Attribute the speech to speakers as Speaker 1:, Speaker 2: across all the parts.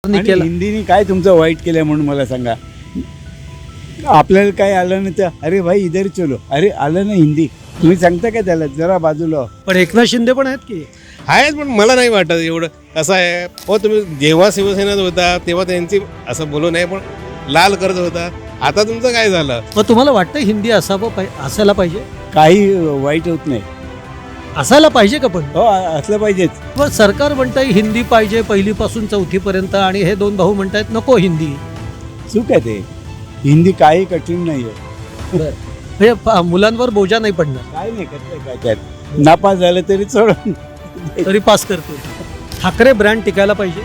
Speaker 1: आणि हिंदीने काय तुमचं वाईट केलं म्हणून मला सांगा. आपल्याला काय आलं नाही तर अरे भाई इधर चलो, अरे आलं ना हिंदी, तुम्ही सांगता का त्याला जरा बाजूला.
Speaker 2: पण एकनाथ शिंदे पण आहेत की.
Speaker 3: आहेत पण मला नाही वाटत एवढं. कसं आहे हो, तुम्ही जेव्हा शिवसेनेत होता तेव्हा त्यांची असं बोलू नये, पण लाल करत होता. आता तुमचं काय झालं?
Speaker 2: मग तुम्हाला वाटतं हिंदी असायला पाहिजे?
Speaker 1: काही वाईट होत नाही.
Speaker 2: असायला पाहिजे का? पण
Speaker 1: हो असलं पाहिजेच.
Speaker 2: मग सरकार म्हणतंय हिंदी पाहिजे पहिलीपासून चौथीपर्यंत, आणि हे दोन भाऊ म्हणतायत नको हिंदी.
Speaker 1: चूक आहे ते. हिंदी काही कठीण नाही आहे.
Speaker 2: म्हणजे मुलांवर बोजा नाही पडणार.
Speaker 1: काय नाही करत काय त्यात. नापास झालं तरी सोडून
Speaker 2: तरी पास करतो. ठाकरे ब्रँड टिकायला पाहिजे.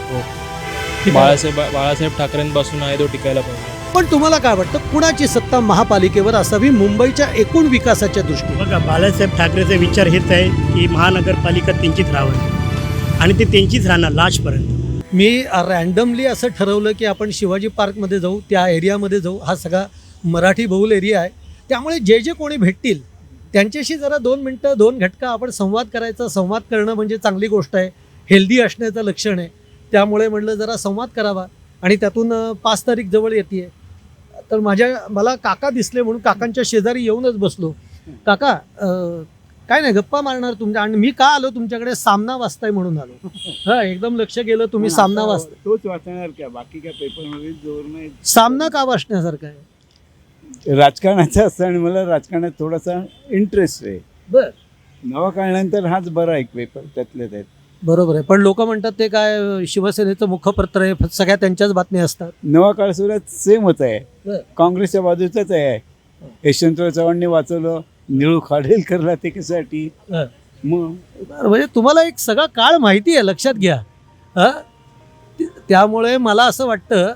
Speaker 4: बाळासाहेब ठाकरेंपासून आहे तो टिकायला पाहिजे.
Speaker 2: पण तुम्हाला काय वाटतं, कुणाची सत्ता महापालिकेवर असावी मुंबईच्या एकूण विकासाच्या दृष्टीने?
Speaker 5: बघा, बाळासाहेब ठाकरेचा विचार हेच आहे की महानगरपालिका त्यांचीच राहावी आणि ते त्यांचीच राहणार लास्टपर्यंत.
Speaker 2: मी रँडमली असं ठरवलं की आपण शिवाजी पार्कमध्ये जाऊ, त्या एरियामध्ये जाऊ. हा सगळा मराठी बहुल एरिया आहे, त्यामुळे जे जे कोणी भेटतील त्यांच्याशी जरा 2 मिनटं 2 घटका आपण संवाद करायचा. संवाद करणं म्हणजे चांगली गोष्ट आहे, हेल्दी असण्याचं लक्षण आहे. त्यामुळे म्हटलं जरा संवाद करावा. आणि त्यातून 5 तारीख जवळ येते, तर मला काका दिसले म्हणून काकांच्या शेजारी येऊनच बसलो. काका काय नाही, गप्पा मारणार तुमच्या. आणि मी का आलो तुमच्याकडे, सामना वाचताय म्हणून आलो. हा, एकदम लक्ष गेलं तुम्ही सामना वाचताय.
Speaker 1: तोच वाचणार का? बाकी काय पेपरमध्ये जोर नाही.
Speaker 2: सामना का वाचण्यासारखा आहे?
Speaker 1: राजकारणाचं असतं आणि मला राजकारणात थोडासा इंटरेस्ट आहे.
Speaker 2: बर,
Speaker 1: नवा काळानंतर हाच बरा एक पेपर त्यातले त्यात.
Speaker 2: बरोबर आहे. पण लोक म्हणतात ते काय शिवसेनेचं मुखपत्र आहे, सगळ्या त्यांच्याच बातम्या असतात.
Speaker 1: नवा काळ सुद्धा सेमच आहे,
Speaker 2: बरं.
Speaker 1: काँग्रेसच्या बाजूचाच आहे. यशवंतराव चव्हाणने वाचवलं, निळू खाडेलकरला ते कशासाठी.
Speaker 2: हं.
Speaker 1: मग
Speaker 2: बरं, म्हणजे तुम्हाला एक सगळा काळ माहिती आहे, लक्षात घ्या. त्यामुळे मला असं वाटतं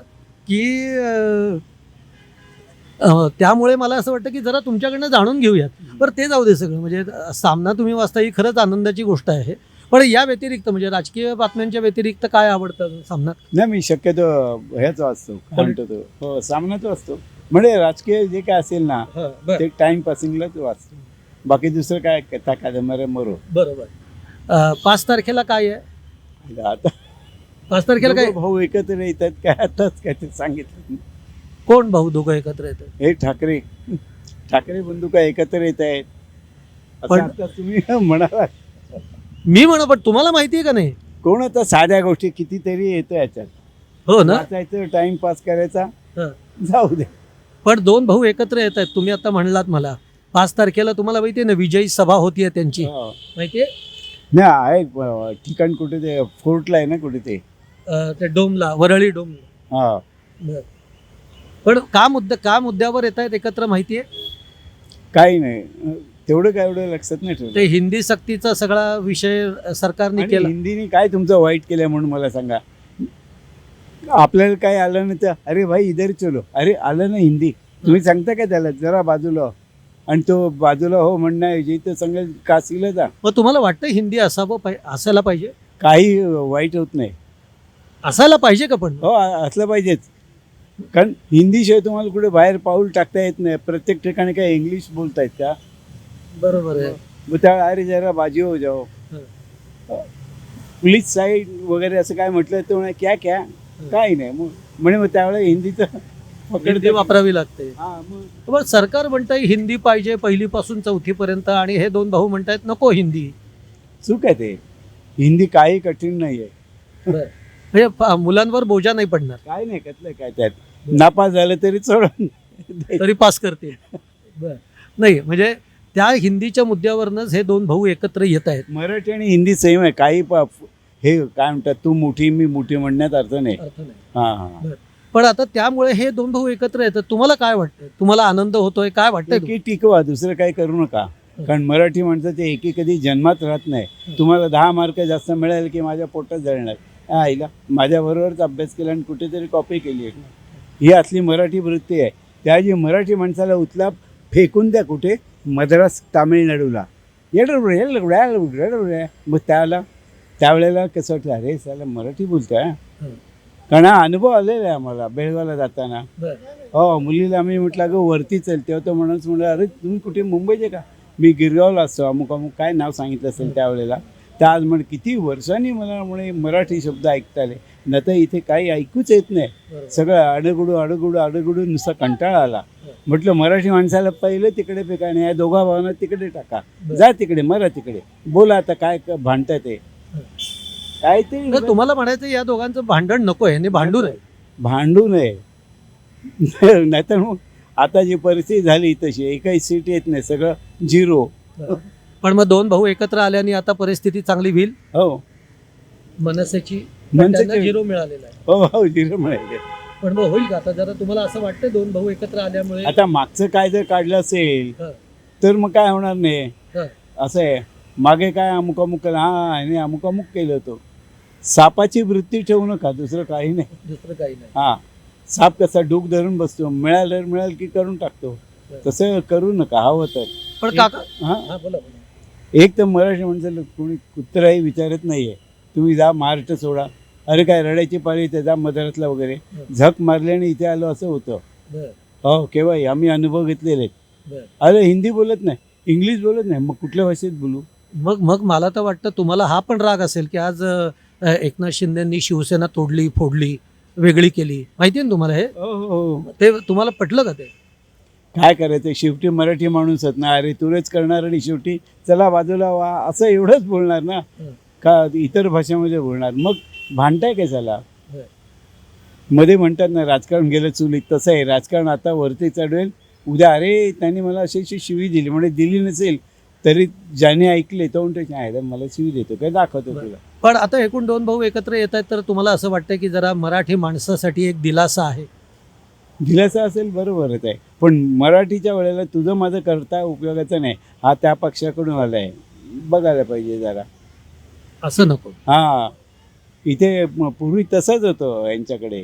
Speaker 2: की जरा तुमच्याकडनं जाणून घेऊयात. बरं, ते जाऊ दे सगळं. म्हणजे सामना तुम्ही वाचता ही खरंच आनंदाची गोष्ट आहे. पण या व्यतिरिक्त म्हणजे राजकीय बातम्यांच्या व्यतिरिक्त काय आवडतं सामन्यात?
Speaker 1: नाही, मी शक्यतो ह्याच वाचतो, काय म्हणतो तो, हो सामनाच वाचतो. म्हणजे राजकीय जे काय असेल ना ते टाइम पासिंगलाच वाचतो. बाकी दुसरं काय कथा कादंबऱ्या मरो.
Speaker 2: बरोबर. 5 तारखेला काय आहे?
Speaker 1: आता
Speaker 2: 5 तारखेला काय?
Speaker 1: दोघं भाऊ एकत्र येतात काय, आताच काय ते सांगितलं.
Speaker 2: कोण भाऊ दोघं एकत्र येतात?
Speaker 1: हे ठाकरे बंधू काय एकत्र येत आहेत
Speaker 2: पण
Speaker 1: आता तुम्ही म्हणाला.
Speaker 2: मी पण तुम्हाला माहिती आहे का नाही?
Speaker 1: कोण आता साध्या गोष्टी कितीतरी येतं याच्यात.
Speaker 2: हो ना,
Speaker 1: वाचायचं, टाइमपास करायचा,
Speaker 2: हं.
Speaker 1: जाऊ दे.
Speaker 2: पण 2 भाऊ एकत्र येत आहेत. तुम्ही आता म्हणलात मला 5 तारखेला तुम्हाला माहिती आहे ना, विजयी सभा होतीये त्यांची,
Speaker 1: हो.
Speaker 2: माहितीये
Speaker 1: नाही आहे ठिकाण कुठे ते फोर्टला आहे ना कुठे
Speaker 2: ते डोमला, वरळी डोमला.
Speaker 1: हा.
Speaker 2: बरं. पण का मुद्द्यावर येत आहेत एकत्र, माहितीये?
Speaker 1: काही नाही, तेवढं काय एवढं लक्षात नाही ठेवलं.
Speaker 2: ते हिंदी सक्तीचा सगळा विषय सरकारने
Speaker 1: आणि
Speaker 2: केला.
Speaker 1: हिंदीने काय तुमचं वाईट केलं म्हणून मला सांगा. आपल्याला काय आलं नाही तर अरे भाई इधर चलो, अरे आलं ना हिंदी, तुम्ही सांगता का त्याला जरा बाजूला. आणि तो बाजूला हो म्हणण्याऐवजी तर सांगेल काशीला जा.
Speaker 2: मग तुम्हाला वाटतं हिंदी असायला पाहिजे?
Speaker 1: काही वाईट होत नाही.
Speaker 2: असायला पाहिजे का? पण
Speaker 1: हो असलं पाहिजेच. कारण हिंदीशिवाय तुम्हाला कुठे बाहेर पाऊल टाकता येत नाही. प्रत्येक ठिकाणी काय इंग्लिश बोलतायत का?
Speaker 2: बरोबर आहे.
Speaker 1: मग त्या अरे जरा बाजी हो जाओ, पुलिस साईड वगैरे असं काय म्हटलं तर म्हणे क्या क्या काही नाही. मग त्यावेळेला हिंदीचं
Speaker 2: हिंदी वापरावी लागते.
Speaker 1: हा, मग
Speaker 2: पण सरकार म्हणतंय हिंदी पाहिजे पहिलीपासून चौथीपर्यंत, आणि हे 2 भाऊ म्हणतायत नको हिंदी.
Speaker 1: चूक आहे ते. हिंदी काही कठीण नाही आहे.
Speaker 2: म्हणजे मुलांवर बोजा नाही पडणार.
Speaker 1: काय नाही करतलं काय त्यात. नापास झालं तरी सोडून
Speaker 2: तरी पास करतील. नाही, म्हणजे त्या हिंदीच्या मुद्द्यावरनच हे 2 भाऊ एकत्र येत आहेत.
Speaker 1: मराठी आणि हिंदी सेम आहे. काही हे काय म्हणतात, तू मोठी मी मोठी म्हणण्यात अर्थ नाही.
Speaker 2: अर्थ नाही.
Speaker 1: हा हा.
Speaker 2: पण आता त्यामुळे हे 2 भाऊ एकत्र येतात. तुम्हाला काय वाटतं? तुम्हाला आनंद होतोय? काय वाटतंय?
Speaker 1: एकी टिकवा, दुसरं काही करू नका. कारण मराठी माणसाचे एकी कधी जन्मात राहत नाही. तुम्हाला 10 मार्क जास्त मिळाले की माझ्या पोटात जळणार. आईला माझ्याबरोबरच अभ्यास केला आणि कुठेतरी कॉपी केली आहे, ही असली मराठी वृत्ती आहे. त्याची मराठी माणसाला उचला फेकून द्या कुठे, मद्रास तामिळनाडूला. मग त्यावेळेला कसं वाटलं, अरे साला मराठी बोलतोय. कारण हा अनुभव आलेला आहे आम्हाला बेळगावला जाताना. हो, मुलीला आम्ही म्हटलं अगं वरती चल, तेव्हा तो म्हणून अरे तुम्ही कुठे मुंबईचे का? मी गिरगावला असतो, अमुक अमुक काय नाव सांगितलं असेल त्यावेळेला. तर आज किती वर्षांनी मला म्हणे मराठी शब्द ऐकता आले. न तर इथे काही ऐकूच येत नाही.
Speaker 2: बरोबर.
Speaker 1: सगळं अडगुडू नुसता कंटाळा आला. म्हटलं मराठी माणसाला पहिलं तिकडे फेका नाही, या दोघा भावांना तिकडे टाका, जा तिकडे मरा तिकडे, बोला आता काय भांडताय ते काय ते
Speaker 2: तर तुम्हाला म्हणायचं या दोघांचं भांडण नको आहे, भांडू नये.
Speaker 1: भांडू नये. नाहीतर मग आता जी परिस्थिती झाली तशी एकही सीट येत नाही, सगळं झिरो.
Speaker 2: पण मग दोन भाऊ एकत्र आल्याने आता परिस्थिती चांगली होईल.
Speaker 1: हो
Speaker 2: मनसेची
Speaker 1: मनसेची-
Speaker 2: झिरो मिळालेला आहे.
Speaker 1: हो हो झिरो मिळाले.
Speaker 2: पण मग होईल का आता? जरा तुम्हाला असं वाटतं दोन भाऊ एकत्र आल्यामुळे
Speaker 1: आता मागचं काय जर काढलं असेल
Speaker 2: हं.
Speaker 1: तर मग काय होणार नाही.
Speaker 2: हं.
Speaker 1: असं आहे, मागे काय अमुक अमुक आणि अमुक अमुक केलं होतं. सापाची वृत्ती ठेवू नका, दुसरं काही नाही.
Speaker 2: दुसरं काही नाही.
Speaker 1: हा, साप कसा डूक धरून बसतो, मिळालं की करून टाकतो, तसं करू नका हवं तर.
Speaker 2: पण काका
Speaker 1: हा,
Speaker 2: हा बोला.
Speaker 1: एक तर मराठी माणसाला कोणी कुत्राही विचारत नाहीये. तुम्ही जा महाराष्ट्र सोडा, अरे काय रडायची पाळी ते जा मद्रासला वगैरे, झक मारल्याने इथे आलो असं होतं.
Speaker 2: बरं
Speaker 1: हो केव्हाही आम्ही अनुभव घेतलेले आहेत.
Speaker 2: बरं.
Speaker 1: अरे हिंदी बोलत नाही, इंग्लिश बोलत नाही, मग कुठल्या भाषेत बोलू.
Speaker 2: मग मग मला तर वाटतं तुम्हाला हा पण राग असेल की आज एकनाथ शिंदेंनी शिवसेना तोडली फोडली वेगळी केली, माहिती आहे ना तुम्हाला हे?
Speaker 1: हो हो,
Speaker 2: ते तुम्हाला पटलं का ते?
Speaker 1: काय करायचं, शेवटी मराठी माणूसच ना, अरे तुरेच करणार आणि शेवटी चला बाजूला वा असं एवढंच बोलणार ना, का इतर भाषेमध्ये बोलणार. मग भांडताय काय झाला.
Speaker 2: बरं.
Speaker 1: मध्ये म्हणतात ना राजकारण गेलं चुलीत, तसं आहे राजकारण. आता वरती चढवेल, उद्या अरे त्यांनी मला अशी अशी शिवी दिली, म्हणजे दिली नसेल तरी ज्याने ऐकले तो म्हणतो आहे मला शिवी देतो काय, दाखवतो तुला.
Speaker 2: पण आता एकूण दोन भाऊ एकत्र येत आहेत तर तुम्हाला असं वाटतं की जरा मराठी माणसासाठी एक दिलासा आहे?
Speaker 1: दिलासा असेल बरोबरच आहे, पण मराठीच्या वेळेला तुझं माझं करता उपयोगाचं नाही. हा त्या पक्षाकडून आला आहे, बघायला पाहिजे जरा.
Speaker 2: असं नको.
Speaker 1: हां, इथे पूर्वी तसंच होतं यांच्याकडे.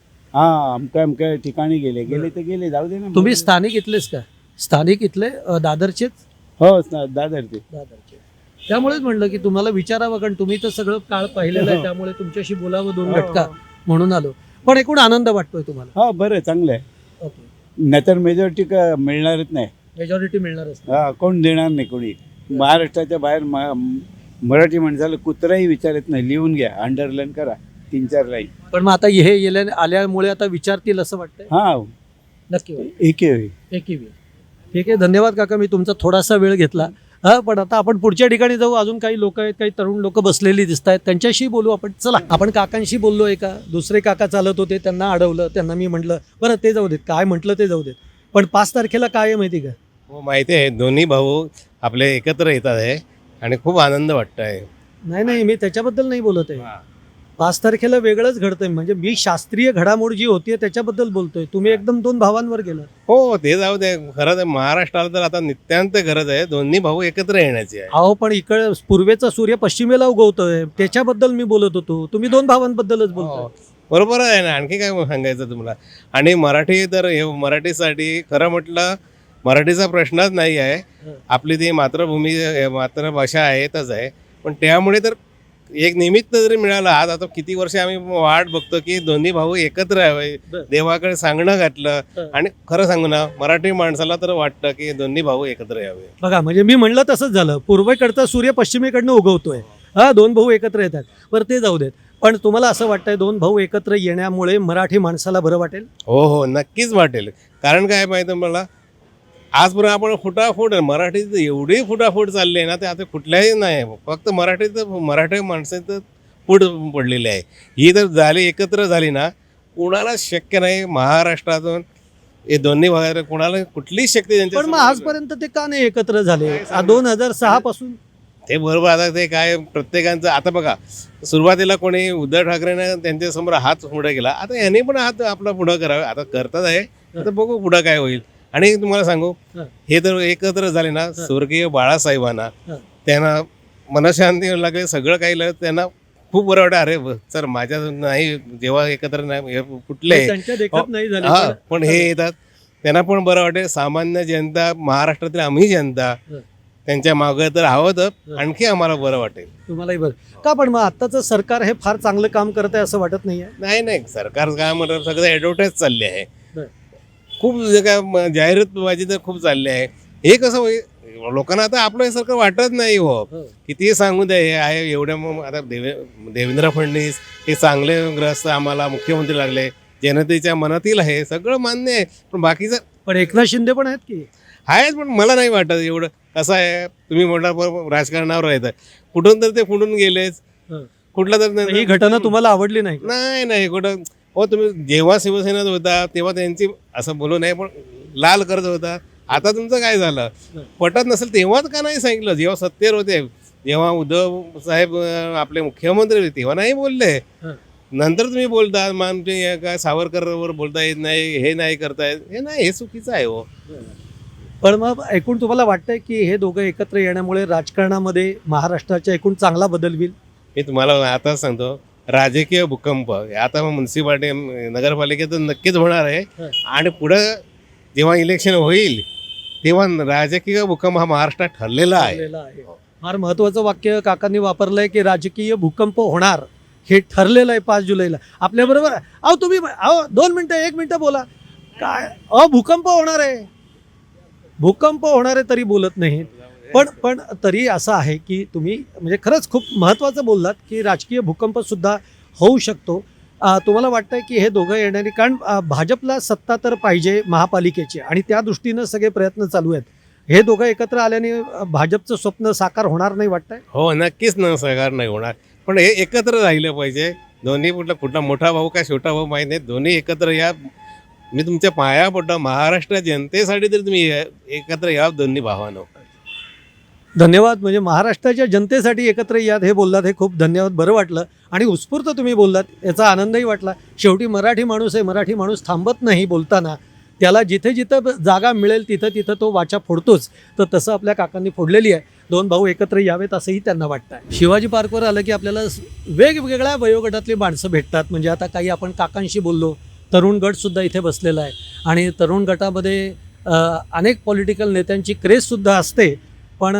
Speaker 1: हां, अमक्या ठिकाणी गेले तर गेले, जाऊ दे ना.
Speaker 2: तुम्ही स्थानिक इथलेच का? स्थानिक इथले दादरचेच?
Speaker 1: हो दादर ते.
Speaker 2: दादरचे. त्यामुळेच म्हणलं की तुम्हाला विचारावं, कारण तुम्ही तर सगळं काळ पाहिलेलं आहे, त्यामुळे तुमच्याशी बोलावं दोन घटका म्हणून आलो. पण एकूण आनंद वाटतोय तुम्हाला?
Speaker 1: हा बरं चांगलं आहे.
Speaker 2: ओके.
Speaker 1: नाहीतर मेजॉरिटी मिळणारच नाही.
Speaker 2: मेजॉरिटी मिळणारच नाही.
Speaker 1: हा, कोण देणार नाही कोणी. महाराष्ट्राच्या बाहेर मराठी माणसाला कुत्राही विचारत नाही. लिहून घ्या, अंडरलाईन करा 3-4 लाईन.
Speaker 2: पण मग आता हे आल्यामुळे आता विचारतील असं वाटतंय?
Speaker 1: हा,
Speaker 2: नक्की होईल.
Speaker 1: एके होईल.
Speaker 2: एकही वेळ. ठीक आहे, धन्यवाद काका, मी तुमचा थोडासा वेळ घेतला. हा, पण आता आपण पुढच्या ठिकाणी जाऊ. अजून काही लोक आहेत, काही तरुण लोक बसलेली दिसत आहेत, त्यांच्याशी बोलू आपण. चला, आपण काकांशी बोललो. एका दुसरे काका चालत होते, त्यांना अडवलं. त्यांना मी म्हटलं बरं ते जाऊ देत, काय म्हटलं ते जाऊ देत, पण 5 तारखेला काय आहे माहिती का?
Speaker 3: हो माहिती आहे, दोन्ही भाऊ आपले एकत्र येतात आहे आणि खूप आनंद वाटत आहे.
Speaker 2: नाही मी त्याच्याबद्दल नाही बोलत आहे. 5 तारखेला वेगळंच घडतंय, म्हणजे मी शास्त्रीय घडामोड जी होतीये त्याच्याबद्दल बोलतोय. तुम्ही एकदम दोन भावांवर गेलात.
Speaker 3: हो ते जाऊ दे, खरंच आहे महाराष्ट्राला तर आता नित्यांत गरज आहे दोन्ही भाऊ एकत्र येण्याची आहे.
Speaker 2: अहो पण इकडे पूर्वेचा सूर्य पश्चिमेला उगवतोय, त्याच्याबद्दल मी बोलत होतो. तुम्ही दोन भावांबद्दलच बोलतोय.
Speaker 3: हो, बरोबर आहे ना. आणखी काय सांगायचं तुम्हाला. आणि मराठी तर हे मराठीसाठी खरं म्हटलं मराठीचा प्रश्नच नाही आहे. आपली ती मातृभूमी मातृभाषा आहेतच आहे, पण त्यामुळे तर एक निमित्त जरी मिळालं. आज आता किती वर्ष आम्ही वाट बघतो की दोन्ही भाऊ एकत्र यावे, देवाकडे सांगणं घातलं. आणि खरं सांगू ना, मराठी माणसाला तर वाटतं की दोन्ही भाऊ एकत्र यावे.
Speaker 2: बघा, म्हणजे मी म्हणलं तसंच झालं. पूर्वेकडचा सूर्य पश्चिमेकडनं उगवतोय. हा, दोन भाऊ एकत्र येतात. बरं ते जाऊ देत, पण तुम्हाला असं वाटतंय दोन भाऊ एकत्र येण्यामुळे मराठी माणसाला बरं वाटेल?
Speaker 3: हो हो नक्कीच वाटेल. कारण काय माहिती मला, आजपर्यंत आपण फुटाफूट मराठीत एवढी फुटाफूट चालली आहे ना, ते आता कुठल्याही नाही, फक्त मराठी माणसाचं फूट पडलेली आहे. ही जर झाली एकत्र झाली ना, कुणाला शक्य नाही महाराष्ट्रातून हे दोन्ही भागात कुणाला कुठलीच शक्ती त्यांच्या.
Speaker 2: पण मग आजपर्यंत ते का नाही एकत्र झाले? 2006 पासून
Speaker 3: ते बरोबर. आता ते काय प्रत्येकाचं आता बघा, सुरुवातीला कोणी उद्धव ठाकरेने त्यांच्यासमोर हात पुढे केला, आता यांनी पण हात आपला पुढं करावे. आता करतात आहे, आता बघू पुढं काय होईल. आणि तुम्हाला सांगू, हे तर एकत्र झाले ना, स्वर्गीय बाळासाहेबांना त्यांना मनशांती लागले, सगळं काही लागलं, त्यांना खूप बरं वाटतं. अरे सर माझ्या नाही, जेव्हा एकत्र नाही कुठले
Speaker 2: त्यांच्या देखत नाही झाले.
Speaker 3: हा, पण हे येतात त्यांना पण बरं वाटेल. सामान्य जनता, महाराष्ट्रातील आम्ही जनता त्यांच्या मागे तर हवं, तर आणखी आम्हाला बरं वाटेल.
Speaker 2: तुम्हालाही बरं का? पण मग आत्ताचं सरकार हे फार चांगलं काम करत आहे असं वाटत नाहीये?
Speaker 3: नाही सरकार काय म्हणतात, सगळं ॲडव्हर्टाईज चालली आहे. खूप काय जाहिरातबाजी तर खूप चालली आहे. हे कसं होईल, लोकांना आता आपल्यासारखं वाटत नाही हो. किती सांगू द्या, हे आहे एवढ्या आता देवेंद्र फडणवीस हे चांगले ग्रस्त आम्हाला मुख्यमंत्री लागले, जनतेच्या मनातील आहे, सगळं मान्य आहे. पण बाकीचं
Speaker 2: पण एकनाथ शिंदे पण आहेत की.
Speaker 3: आहेच, पण मला नाही वाटत एवढं. कसं आहे, तुम्ही म्हणा राजकारणावर राहता, कुठून तर ते फुटून गेलेच, कुठला तर
Speaker 2: ही घटना तुम्हाला आवडली नाही का?
Speaker 3: नाही कुठं हो. तुम्ही जेव्हा शिवसेनेत होता तेव्हा त्यांची असं बोलू नये, पण लाल करत होता. आता तुमचं काय झालं, पटत नसेल तेव्हाच का नाही सांगितलं? जेव्हा सत्तेवर होते, जेव्हा उद्धव साहेब आपले मुख्यमंत्री होते तेव्हा नाही बोलले. नंतर तुम्ही बोलता मग आमचे काय सावरकरवर बोलता येत नाही, हे नाही करतायत, हे नाही, हे चुकीचं आहे हो.
Speaker 2: पण मग एकूण तुम्हाला वाटतंय की हे दोघं एकत्र येण्यामुळे राजकारणामध्ये महाराष्ट्राच्या एकूण चांगला बदल होईल?
Speaker 3: मी तुम्हाला आता सांगतो, राजकीय भूकंप आता म्युन्सिपाल्टी नगरपालिकेत नक्कीच होणार आहे. आणि पुढं जेव्हा इलेक्शन होईल तेव्हा राजकीय भूकंप हा महाराष्ट्रात ठरलेला आहे.
Speaker 2: फार महत्वाचं वाक्य काकांनी वापरलंय की राजकीय भूकंप होणार हे ठरलेलं आहे 5 जुलैला. आपल्याबरोबर तुम्ही 2 मिनिटं 1 मिनिटं बोला. काय भूकंप होणार आहे, भूकंप होणार आहे तरी बोलत नाहीत. पण तरी असं आहे की तुम्ही म्हणजे खरंच खूप महत्त्वाचं बोललात की राजकीय भूकंप सुद्धा होऊ शकतो. तुम्हाला वाटतंय की हे दोघं येणारी, कारण भाजपला सत्ता तर पाहिजे महापालिकेची आणि त्या दृष्टीनं सगळे प्रयत्न चालू आहेत. हे दोघं एकत्र आल्याने भाजपचं स्वप्न साकार होणार नाही वाटतंय?
Speaker 3: हो, नक्कीच साकार नाही होणार, पण हे एकत्र राहिलं पाहिजे. दोन्ही कुठला मोठा भाऊ का छोटा भाऊ माहीत नाही, दोन्ही एकत्र या. मी तुमच्या पाया पडतो, महाराष्ट्र जनतेसाठी तरी तुम्ही एकत्र या दोन्ही भावानं.
Speaker 2: धन्यवाद. म्हणजे महाराष्ट्राच्या जनतेसाठी एकत्र यात हे बोललात, हे खूप धन्यवाद. बरं वाटलं आणि उत्स्फूर्त तुम्ही बोललात, याचा आनंदही वाटला. शेवटी मराठी माणूस आहे, मराठी माणूस थांबत नाही बोलताना. त्याला जिथे जिथं जागा मिळेल तिथं तिथं तो वाचा फोडतोच. तर तसं आपल्या काकांनी फोडलेली आहे. 2 भाऊ एकत्र यावेत असंही त्यांना वाटतं आहे. शिवाजी पार्कवर आलं की आपल्याला वेगवेगळ्या वयोगटातली माणसं भेटतात. म्हणजे आता काही आपण काकांशी बोललो, तरुण गटसुद्धा इथे बसलेला आहे आणि तरुण गटामध्ये अनेक पॉलिटिकल नेत्यांची क्रेजसुद्धा असते. पण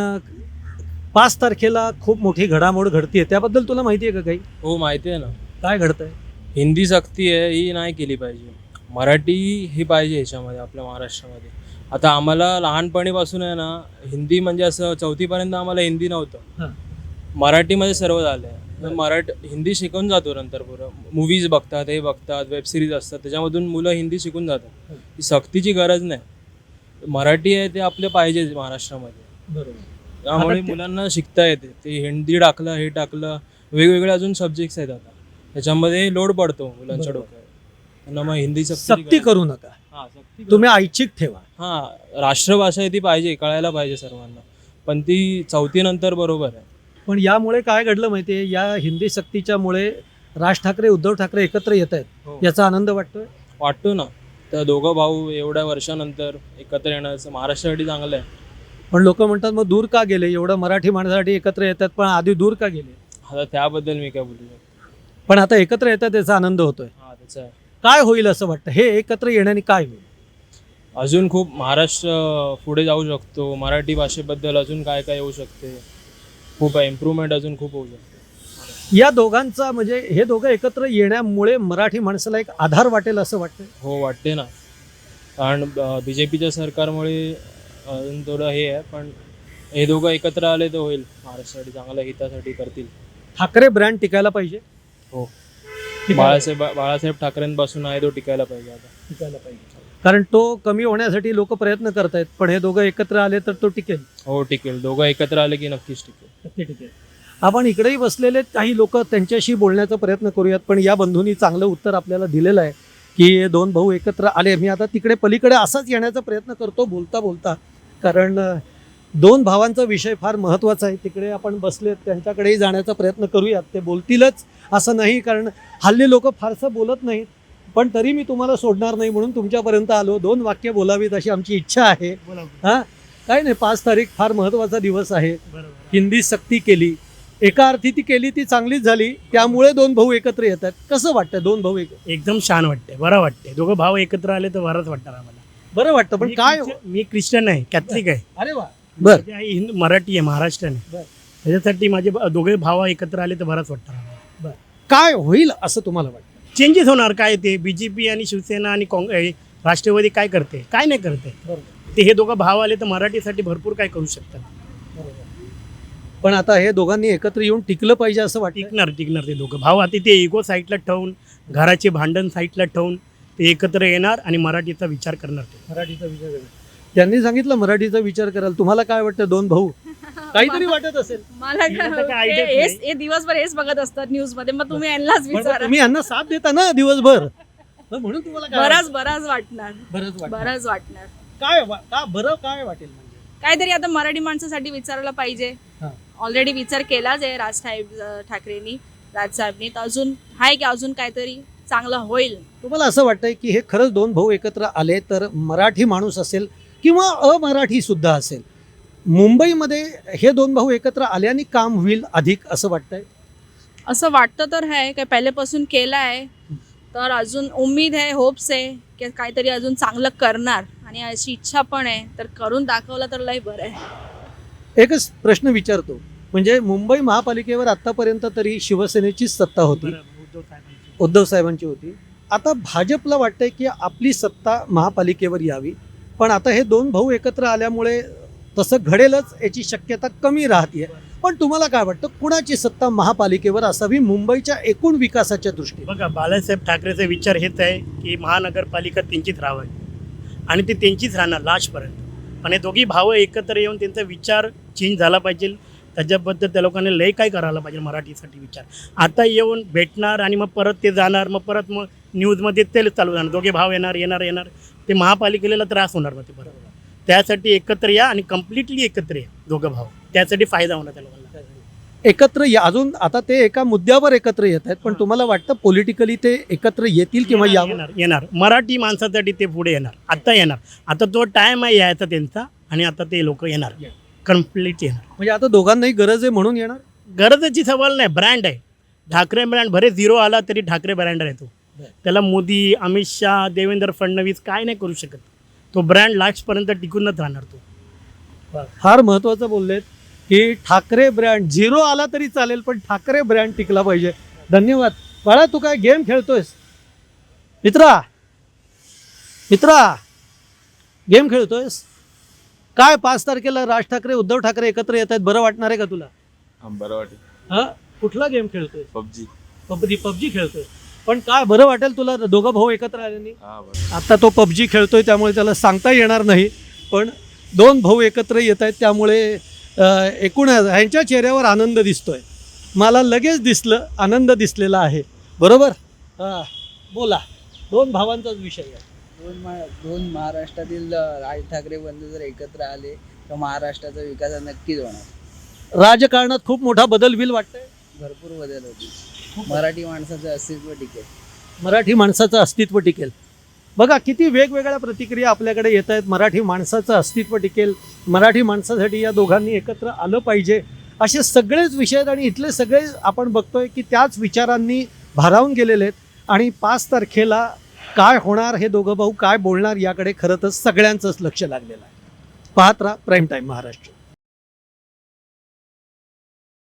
Speaker 2: 5 तारखेला खूप मोठी घडामोड घडतीये, त्याबद्दल तुला माहिती आहे का काही?
Speaker 4: हो माहिती आहे ना.
Speaker 2: काय घडतंय?
Speaker 4: हिंदी सक्ती आहे ही नाही केली पाहिजे, मराठी ही पाहिजे ह्याच्यामध्ये आपल्या महाराष्ट्रामध्ये. आता आम्हाला लहानपणीपासून आहे ना हिंदी म्हणजे असं 4थीपर्यंत आम्हाला हिंदी नव्हतं, मराठीमध्ये सर्व झालं आहे. हिंदी शिकून जातो नंतर पुरं. मूवीज बघतात, हे बघतात, वेबसिरीज असतात, त्याच्यामधून मुलं हिंदी शिकून जातात. ही सक्तीची गरज नाही, मराठी आहे ते आपले पाहिजे महाराष्ट्रामध्ये.
Speaker 2: बरोबर.
Speaker 4: त्यामुळे मुलांना शिकता येते. ते हिंदी टाकलं, हे टाकलं, वेगवेगळे अजून सब्जेक्ट्स आहेत आता, त्याच्यामध्ये लोड पडतो मुलांच्या डोक्यावर. त्यांना मग हिंदी
Speaker 2: सक्ती करू नका, तुम्ही ऐच्छिक ठेवा.
Speaker 4: राष्ट्रभाषा आहे ती पाहिजे, कळायला पाहिजे सर्वांना, पण ती 4थी नंतर बरोबर आहे.
Speaker 2: पण यामुळे काय घडलं माहितीये, या हिंदी सक्तीच्यामुळे राज ठाकरे उद्धव ठाकरे एकत्र येत आहेत, याचा आनंद
Speaker 4: वाटतो ना. तर दोघं भाऊ एवढ्या वर्षानंतर एकत्र येण्याचं महाराष्ट्रासाठी चांगलं आहे.
Speaker 2: पण लोक म्हणतात मग दूर का गेले, एवढं मराठी माणसासाठी एकत्र येतात पण आधी दूर का गेले?
Speaker 4: आता त्याबद्दल मी काय बोलू शकतो,
Speaker 2: पण आता एकत्र येतात याचा आनंद होतोय.
Speaker 4: त्याचा आहे.
Speaker 2: काय होईल असं वाटतं, हे एकत्र येण्याने काय होईल?
Speaker 4: अजून खूप महाराष्ट्र पुढे जाऊ शकतो, मराठी भाषेबद्दल अजून काय काय येऊ शकते, खूप इम्प्रूव्हमेंट अजून खूप होऊ शकते.
Speaker 2: या दोघांचा म्हणजे हे दोघं एकत्र येण्यामुळे मराठी माणसाला एक आधार वाटेल असं वाटतं?
Speaker 4: हो वाटते ना, कारण BJPच्या सरकारमुळे अजून थोडं हे आहे, पण हे दोघं एकत्र आले तर होईल, महाराष्ट्रासाठी चांगल्या हितासाठी करतील.
Speaker 2: ठाकरे ब्रँड टिकायला पाहिजे.
Speaker 4: हो, बाळासाहेब ठाकरेंपासून आहे तो टिकायला पाहिजे. आता
Speaker 2: टिकायला पाहिजे, कारण तो कमी होण्यासाठी लोक प्रयत्न करतायत, पण हे दोघं एकत्र आले तर तो टिकेल.
Speaker 4: हो टिकेल, दोघं एकत्र आले की नक्कीच
Speaker 2: टिकेल. आपण इकडेही बसलेले काही लोक, त्यांच्याशी बोलण्याचा प्रयत्न करूयात. पण या बंधूंनी चांगलं उत्तर आपल्याला दिलेलं आहे की 2 भाऊ एकत्र आले. मी आता तिकडे पलीकडे असाच येण्याचा प्रयत्न करतो बोलता बोलता, कारण 2 भावांचा विषय फार महत्त्वाचा आहे. तिकडे आपण बसलेत, त्यांच्याकडेही जाण्याचा प्रयत्न करूयात. ते बोलतीलच असं नाही, कारण हल्ली लोक फारसं बोलत नाहीत, पण तरी मी तुम्हाला सोडणार नाही म्हणून तुमच्यापर्यंत आलो. 2 वाक्य बोलावीत अशी आमची इच्छा आहे. काय नाही, 5 तारीख फार महत्त्वाचा दिवस आहे. हिंदी सक्ती केली, एका अर्थी ती केली, ती चांगलीच झाली. त्यामुळे 2 भाऊ एकत्र येतात. कसं वाटतं 2 भाऊ एकत्र?
Speaker 5: एकदम छान वाटते, बरं वाटते. दोघं भाऊ एकत्र आले तर बरंच वाटतं आम्हाला.
Speaker 2: बरं वाटतं. पण काय,
Speaker 5: मी ख्रिश्चन आहे, कॅथलिक आहे.
Speaker 2: अरे वा, बर.
Speaker 5: हिंदू मराठी आहे, महाराष्ट्रीयन आहे. त्याच्यासाठी माझे दोघे भाव एकत्र आले तर बरंच वाटतं आम्हाला.
Speaker 2: काय होईल असं तुम्हाला वाटतं?
Speaker 5: चेंजेस होणार काय, ते BJP आणि शिवसेना आणि राष्ट्रवादी काय करते, काय नाही करते. ते हे दोघं भाव आले तर मराठीसाठी भरपूर काय करू शकतात.
Speaker 2: पण आता हे दोघांनी एकत्र येऊन टिकलं पाहिजे असं वाटतं.
Speaker 5: टिकणार ते दोघं भाव. आता ते इगो साईडला ठेवून, घराचे भांडण साईडला ठेवून ते एकत्र येणार आणि मराठीचा विचार करणार. ते
Speaker 2: मराठीचा विचार करा. त्यांनी सांगितलं मराठीचा विचार कराल. तुम्हाला काय वाटतं दोन भाऊ? काहीतरी वाटत असेल.
Speaker 6: मला
Speaker 5: मला काय idea नाही.
Speaker 6: हे दिवसभर हेच बघत असतात न्यूज मध्ये, मग तुम्ही यांनाच
Speaker 2: पण
Speaker 6: विचारा.
Speaker 2: तुम्ही यांना साथ देता ना दिवसभर, मग म्हणून तुम्हाला काय
Speaker 6: बराच
Speaker 2: वाटतं?
Speaker 6: बराच वाटणार,
Speaker 2: बरंच वाटतं.
Speaker 6: बराच वाटणार.
Speaker 2: का बरं काय वाटेल म्हणजे?
Speaker 6: काहीतरी आता मराठी माणसासाठी विचारायला पाहिजे.
Speaker 2: हा.
Speaker 6: ऑलरेडी विचार केलाच आहे ठाकरेंनी, राजसाहेबनी. तर अजून आहे की अजून काहीतरी चांगलं होईल.
Speaker 2: तुम्हाला असं वाटतंय की हे खरंच दोन भाऊ एकत्र आले तर मराठी माणूस असेल किंवा अमराठी सुद्धा असेल, मुंबईमध्ये हे दोन भाऊ एकत्र आल्याने काम होईल अधिक असं वाटतंय?
Speaker 6: असं वाटतं तर आहे, काय पहिल्यापासून केलं आहे. तर अजून उम्मीद आहे, होप्स आहे की काहीतरी अजून चांगलं करणार, आणि अशी इच्छा पण आहे. तर करून दाखवलं तर लय बरं आहे.
Speaker 2: एकच प्रश्न विचारतो, म्हणजे मुंबई महापालिकेवर आतापर्यंत तरी शिवसेनेची सत्ता होती, उद्धव साहेबांची होती. आता भाजपला वाटतंय की आपली सत्ता महापालिकेवर यावी, पण आता हे दोन भाऊ एकत्र आल्यामुळे तसं घडेलच याची शक्यता कमी राहते. पण तुम्हाला काय वाटतं, कुणाची सत्ता महापालिकेवर असावी मुंबईच्या एकूण विकासाच्या दृष्टीने?
Speaker 5: बघा, बाळासाहेब ठाकरेचा विचार हेच आहे की महानगरपालिका त्यांचीच राहावी आणि ते त्यांचीच राहणार लास्टपर्यंत. पण हे दोघी भाव एकत्र येऊन त्यांचा विचार चेंज झाला पाहिजे. त्याच्याबद्दल त्या लोकांनी लय काय करायला पाहिजे मराठीसाठी विचार. आता येऊन भेटणार आणि मग परत ते जाणार, मग परत मग न्यूजमध्ये ते चालू जाणार. दोघे भाव येणार ते महापालिकेला त्रास होणार. मग ते बरोबर त्यासाठी एकत्र या आणि कम्प्लिटली एकत्र या दोघं भाव. त्यासाठी फायदा होणार त्या लोकांना.
Speaker 2: एकत्र या. अजून आता ते एका मुद्द्यावर एकत्र येत आहेत, पण तुम्हाला वाटतं पॉलिटिकली ते एकत्र येतील किंवा
Speaker 5: येणार मराठी माणसासाठी ते पुढे येणार. आता येणार. आता तो टाइम आहे यायचा त्यांचा, आणि आता ते लोक येणार, कम्प्लीट येणार.
Speaker 2: म्हणजे आता दोघांनाही गरज आहे म्हणून येणार.
Speaker 5: गरजेची सवाल नाही, ब्रँड आहे ठाकरे ब्रँड. भरे झिरो आला तरी ठाकरे ब्रँड आहे तो. त्याला मोदी, अमित शहा, देवेंद्र फडणवीस काय नाही करू शकत. तो ब्रँड लास्टपर्यंत टिकूनच राहणार तो.
Speaker 2: फार महत्त्वाचं बोललेत की ठाकरे ब्रँड झिरो आला तरी चालेल, पण ठाकरे ब्रँड टिकला पाहिजे. धन्यवाद. बाळा, तू काय गेम खेळतोयस? मित्रा गेम खेळतोयस काय? 5 तारखेला राज ठाकरे, उद्धव ठाकरे एकत्र येत आहेत, बरं वाटणार आहे का तुला?
Speaker 7: बरं वाटेल.
Speaker 2: हा, कुठला गेम खेळतोय?
Speaker 7: पबजी
Speaker 2: खेळतोय. पण काय बरं वाटेल तुला दोघं भाऊ एकत्र आल्याने?
Speaker 7: हा बरं.
Speaker 2: आता तो पबजी खेळतोय त्यामुळे त्याला सांगता येणार नाही, पण दोन भाऊ एकत्र येत आहेत त्यामुळे एकूण ह्यांच्या चेहऱ्यावर आनंद दिसतोय. मला लगेच दिसलं, आनंद दिसलेला आहे. बरोबर? बोला. दोन भावांचाच विषय आहे.
Speaker 8: दोन महाराष्ट्रातील राज ठाकरे बंधू जर एकत्र आले तर महाराष्ट्राचा विकास नक्कीच होणार.
Speaker 2: राजकारणात खूप मोठा बदल होईल वाटतंय.
Speaker 8: भरपूर बदल होतील. मराठी माणसाचं अस्तित्व टिकेल.
Speaker 2: मराठी माणसाचं अस्तित्व टिकेल. बघा किती वेगवेगळ्या प्रतिक्रिया आपल्याकडे येत आहेत. मराठी माणसाचं अस्तित्व टिकेल, मराठी माणसासाठी या दोघांनी एकत्र आलं पाहिजे, असे सगळेच विषय आहेत. आणि इथले सगळे आपण बघतोय की त्याच विचारांनी भारावून गेलेले आहेत. आणि 5 तारखेला काय होणार, हे दोघं भाऊ काय बोलणार, याकडे खरं तर सगळ्यांचंच लक्ष लागलेलं आहे. पाहत राहा प्राईम टाईम महाराष्ट्र.